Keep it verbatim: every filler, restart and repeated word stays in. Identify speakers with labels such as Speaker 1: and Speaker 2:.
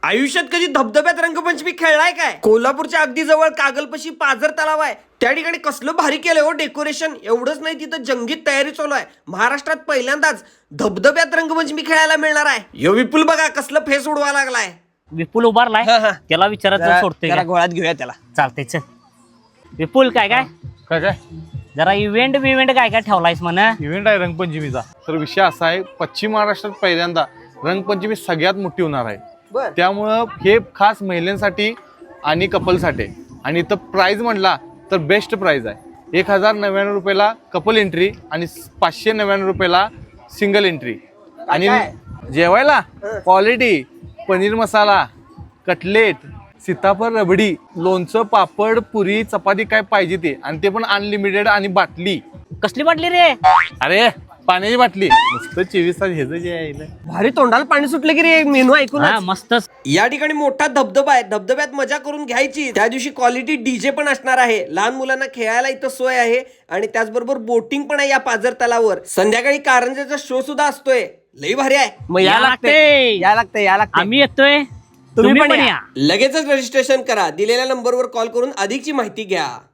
Speaker 1: आयुष्यात कधी धबधब्यात रंगपंचमी खेळलाय काय? कोल्हापूरच्या अगदी जवळ कागलपशी पाझर तलाव आहे. त्या ठिकाणी कसलं भारी केलंय हो डेकोरेशन. एवढंच नाही, तिथं जंगीत तयारी चालू आहे. महाराष्ट्रात पहिल्यांदाच धबधब्यात रंगपंचमी खेळायला मिळणार आहे. यो विपुल बघा कसलं फेस उडवा लागलाय.
Speaker 2: विपुल उभारलाय, त्याला विचारायचं सोडतोय.
Speaker 3: त्याला गोळ्यात घेऊया त्याला.
Speaker 2: चालतंय चल. विपुल काय काय
Speaker 4: काय काय
Speaker 2: जरा इव्हेंट बिव्हेंट काय काय ठेवलायस म्हणा.
Speaker 4: इव्हेंट आहे रंगपंचमीचा. तर विषय असा आहे, पश्चिम महाराष्ट्रात पहिल्यांदा रंगपंचमी सगळ्यात मोठी होणार आहे. त्यामुळं हे खास महिलांसाठी आणि कपलसाठी. आणि इथं प्राइस म्हणला तर बेस्ट प्राइस आहे. एक हजार नव्याण्णव रुपयाला कपल एंट्री आणि पाचशे नव्याण्णव रुपयाला सिंगल एंट्री. आणि जेवायला क्वालिटी पनीर मसाला, कटलेट, सीताफळ रबडी, लोणचं, पापड, पुरी, चपाती काय पाहिजे ते. आणि ते पण अनलिमिटेड. आणि बाटली
Speaker 2: कसली बाटली रे?
Speaker 4: अरे पाण्याची बाटली. नुसतं चोवीस तास हेच जे आहे.
Speaker 1: भारी तोंडाला पाणी सुटलं की रे मेनू ऐकून.
Speaker 2: हा मस्तच.
Speaker 1: या ठिकाणी मोठा धबधबा आहे. धबधब्यात मजा करून घ्यायची. त्या दिवशी क्वालिटी डीजे पण असणार आहे. लहान मुलांना खेळायला इथं सोय आहे. आणि त्याचबरोबर बोटिंग पण आहे या पाझर तलावावर. संध्याकाळी कारंजाचा शो सुद्धा असतोय. लई भारी आहे.
Speaker 3: मग या लागते या लागते या लागते
Speaker 2: आम्ही येतोय, तुम्ही पण या.
Speaker 1: लगेचच रजिस्ट्रेशन करा. दिलेल्या नंबरवर कॉल करून अधिकची माहिती घ्या.